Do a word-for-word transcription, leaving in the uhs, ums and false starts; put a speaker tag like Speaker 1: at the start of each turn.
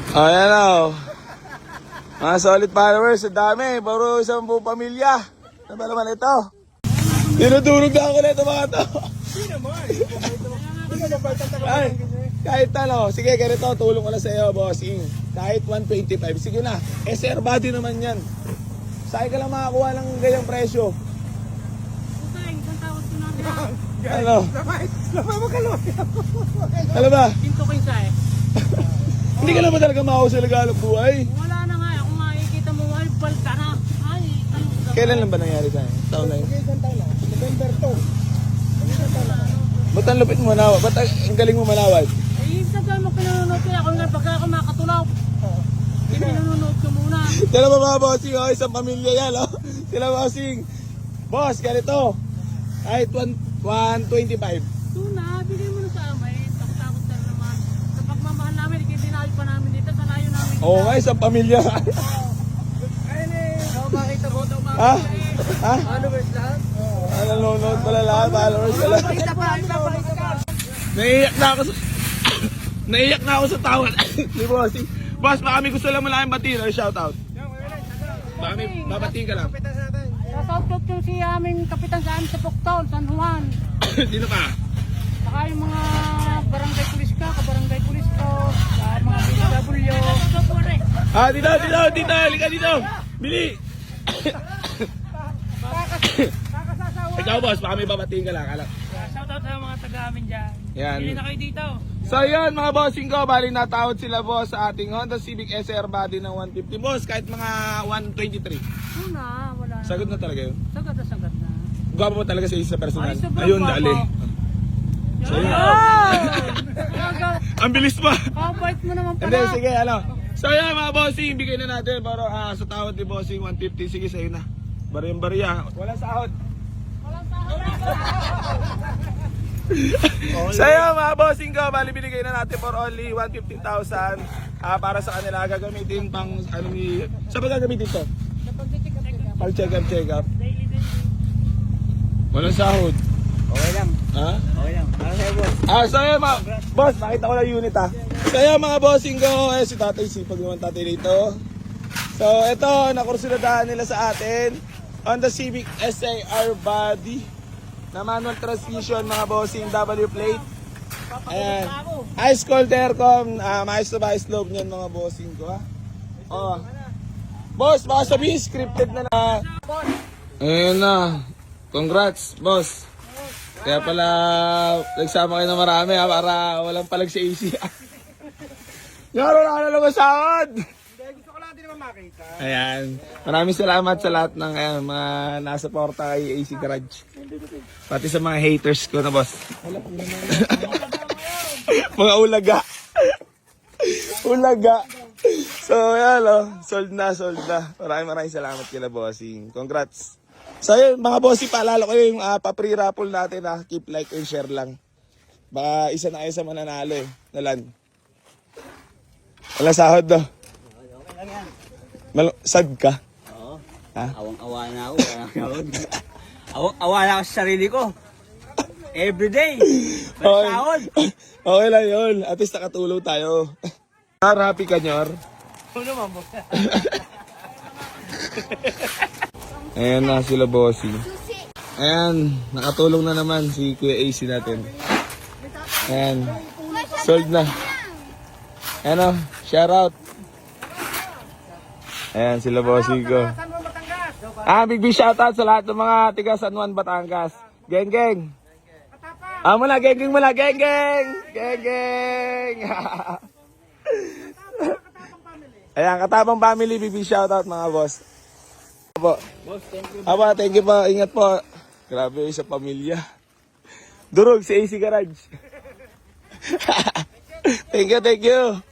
Speaker 1: Ayan o. Mga solid followers, ang dami. Puro isang buong pamilya. Ano ba naman ito? Dinudurog na ako na ito mga to. Ay, kahit ano, sige ganito, tulong ko na sa iyo, bossing. Kahit one twenty-five, sige na. S R body naman yan. Saan ka lang makakuha ng ganyang presyo?
Speaker 2: Utay, isang tawad ko namin.
Speaker 1: Ano?
Speaker 3: Lamay, lamay mo kaluwi.
Speaker 1: Ano ba?
Speaker 2: Pinto ko yung sa eh.
Speaker 1: Hindi ka naman talaga makakuha sa lagalong buhay.
Speaker 2: Wala na nga, kung makikita mo, ay, balta na. Ay, ano ba?
Speaker 1: Kailan lang ba nangyari sa'yo? Taon na yun?
Speaker 3: Isang taon na. November two. Isang taon na.
Speaker 1: Ba't ang lupit mo manawad? Ba't ang ang galing mo manawad?
Speaker 2: Ay, isang taon mo pinanonood ko. Ako nga, pagka ako makatulaw. Hindi pinanonood ko muna.
Speaker 1: Sila ba mga bossing? Oh, isang pamilya yan. Oh. Sila bossing. Boss, ganito. Kahit one twenty-five.
Speaker 2: Doon na, bigay mo na sa amay. Takot-takot na naman. Sa pagmamahal namin, ikitinayo pa namin dito. Sa layo namin.
Speaker 1: Oo nga, isang pamilya.
Speaker 3: Ayun eh. Oh, makita mo.
Speaker 1: Ha? Ha?
Speaker 3: Followers lahat?
Speaker 1: Ano, nanonood pala lahat, followers pala.
Speaker 3: Pakita pa, pakita pa.
Speaker 1: Naiiyak na ako sa... Naiiyak na ako sa tawad. Ni bossing. Boss, baka may gusto lang malaking batiin or shoutout. Baka may babatiin ka lang.
Speaker 3: Kapitan sa natin.
Speaker 2: Shoutout ko si aming kapitan sa amin sa Pocton, San Juan.
Speaker 1: Sino pa?
Speaker 2: Saka yung mga barangay pulis ka, kabarangay pulis ko, sa mga B W.
Speaker 1: Ah, dito, dito, dito. Halika dito. Bili. Ikaw, boss, baka may babatiin ka lang. Alam.
Speaker 2: Shoutout sa mga taga amin dyan.
Speaker 1: Yan.
Speaker 2: Hindi na kayo dito.
Speaker 1: So yun mga bossing ko, bali natawad sila boss sa ating Honda Civic S R body ng one fifty. Boss, kahit mga one twenty-three.
Speaker 2: Una, wala na.
Speaker 1: Sagot na talaga yun.
Speaker 2: Sagat na sagat na.
Speaker 1: Gwapo mo talaga sa isa personal.
Speaker 2: Ay, sobrang
Speaker 1: Ayun,
Speaker 2: gwapo.
Speaker 1: dali. So yun. Ang bilis pa.
Speaker 2: Kabait mo naman
Speaker 1: Hindi,
Speaker 2: pala.
Speaker 1: sige, ano. So yun mga bossing, bigay na natin. Pero ah, sa tawad ni bossing one fifty, sige sa'yo na. Bariyang bariya. Walang sahod. So yun mga bossing ko, bali binigay na natin for only one hundred fifty thousand ah, para sa kanila gagamitin pang ano ni... Saan ba gagamitin to? Pang check up, check up. Walang sahod.
Speaker 3: Okay lang.
Speaker 1: Ha?
Speaker 3: Okay lang. Para sa'yo, boss.
Speaker 1: Ah, so yun mga... Boss, nakita ko lang unit ha. So yun mga bossing ko, eh si tatay, sipag naman tatay dito. So ito, nakursuladahan nila sa atin. Honda Civic S A R body na manual transmission mga bossing, W plate. Ayan. Ice cold aircon, uh, maayos na ba ice loob niyan mga bossing ko ha. Oh. Boss, baka sabihin scripted na na. Ayun na. Congrats, boss. Kaya pala nagsama kayo na marami ha, para walang palag sa A C. Ngaro na ka na lang masahod.
Speaker 3: Gusto ko lang din naman makita.
Speaker 1: Ayan. Maraming salamat sa lahat ng ayan, mga nasa porta kay A C Garage. Pati sa mga haters ko na boss. Mga ulaga. Ulaga. So ayan o. Sold na, sold na. Maraming maraming salamat kila bossing. Congrats. So yun mga bossing, paalala ko yung uh, pa-free raffle natin ha. Keep like and share lang. Baka isa na kayo sa mananalo eh. Nalan. Wala sahod do.
Speaker 3: Okay lang yan.
Speaker 1: Mal- sad ka?
Speaker 3: Oo.
Speaker 1: Ha?
Speaker 3: Awang-awa na ako. Awang-awa na ako sa sarili ko. Everyday.
Speaker 1: Okay.
Speaker 3: Sahod.
Speaker 1: Okay lang yun. At least nakatulong tayo. Har, happy ka, Nyor?
Speaker 3: Oo naman, boss.
Speaker 1: Ayan na sila bossy. Ayan, nakatulong na naman si Kuya A C natin. Ayan, sold na. Ayan o, shout out. Ayan sila bossy ko. Ah, big big shout out sa lahat ng mga tiga San Juan, Batangas. Geng geng. Ah, muna, geng geng muna, geng geng. Geng geng. Ayan, Katapang family, big big shout out mga boss. Po.
Speaker 3: Boss, thank you.
Speaker 1: Aba, thank you po. Ingat po. Grabe sa pamilya. Durog si A C Garage. Thank you, thank you.